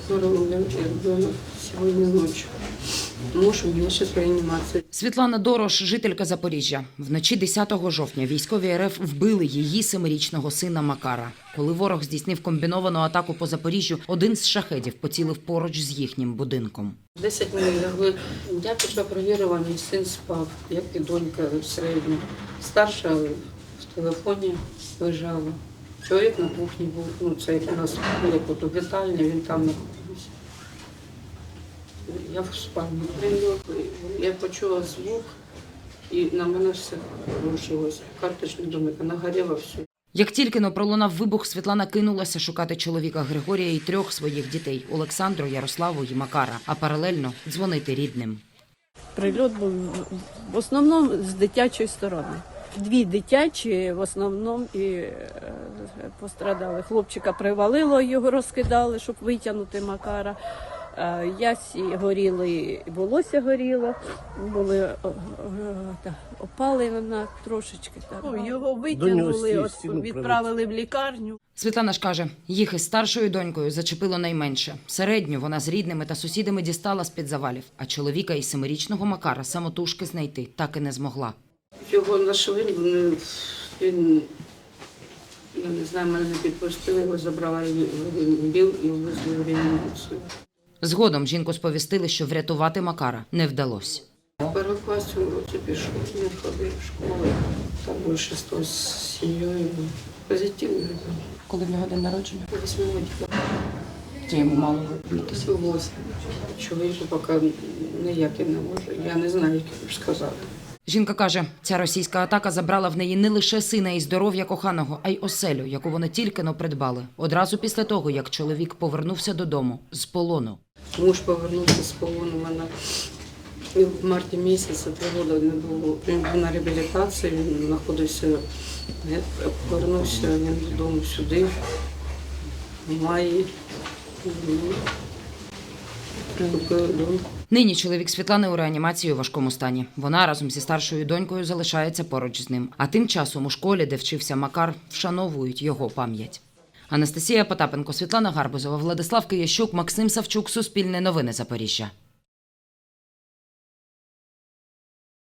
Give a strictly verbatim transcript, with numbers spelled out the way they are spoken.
Здорово, ребенок сегодня ночью. Муж у меня сейчас в реанимации. Світлана Дорош – жителька Запоріжжя. Вночі десятого жовтня військові РФ вбили її семирічного сина Макара. Коли ворог здійснив комбіновану атаку по Запоріжжю, один з шахедів поцілив поруч з їхнім будинком. Десять минут лягли. Я пішла перевірила, мій син спав, як і донька середня. Старша в телефоні лежала. Чоловік на кухні був, ну це як у нас було тут вітальня, він там знаходився. Я в спальні прийняла, я почула звук і на мене все рушилося. Карточний домик, вона горіла все. Як тільки но пролунав вибух, Світлана кинулася шукати чоловіка Григорія і трьох своїх дітей – Олександру, Ярославу і Макара, а паралельно дзвонити рідним. Прильот був в основному з дитячої сторони. Дві дитячі в основному і е, пострадали. Хлопчика привалило, його розкидали, щоб витягнути Макара. Е, Ясі горіли, волосся горіло, були е, е, та, опалена трошечки. Так. Його витягнули, от, відправили в лікарню. Світлана ж каже, їх із старшою донькою зачепило найменше. Середню вона з рідними та сусідами дістала з-під завалів, а чоловіка із семирічного Макара самотужки знайти так і не змогла. Його знайшли, він, він, я не знаю, мене не підпустили, його забрала біл і везли в реанімацію. Згодом жінку сповістили, що врятувати Макара не вдалося. В першому класі уроці пішов, він ходив в школу, там більше сто з сім'єю. Позитивний ребенок. Коли в нього день народження? Восьмого дня. Чи йому мало виплатити? Восьм. Чоловіку поки ніяк я не можу, я не знаю, як сказати. Жінка каже, ця російська атака забрала в неї не лише сина і здоров'я коханого, а й оселю, яку вони тільки-но придбали. Одразу після того, як чоловік повернувся додому з полону. Муж повернувся з полону, мене в марті місяці три роки не було. Він був на реабілітації, він знаходився, повернувся він додому сюди, в маї. Купили дом. Нині чоловік Світлани у реанімації у важкому стані. Вона разом зі старшою донькою залишається поруч з ним. А тим часом у школі, де вчився Макар, вшановують його пам'ять. Анастасія Потапенко, Світлана Гарбузова, Владислав Киящук, Максим Савчук, Суспільне новини Запоріжжя.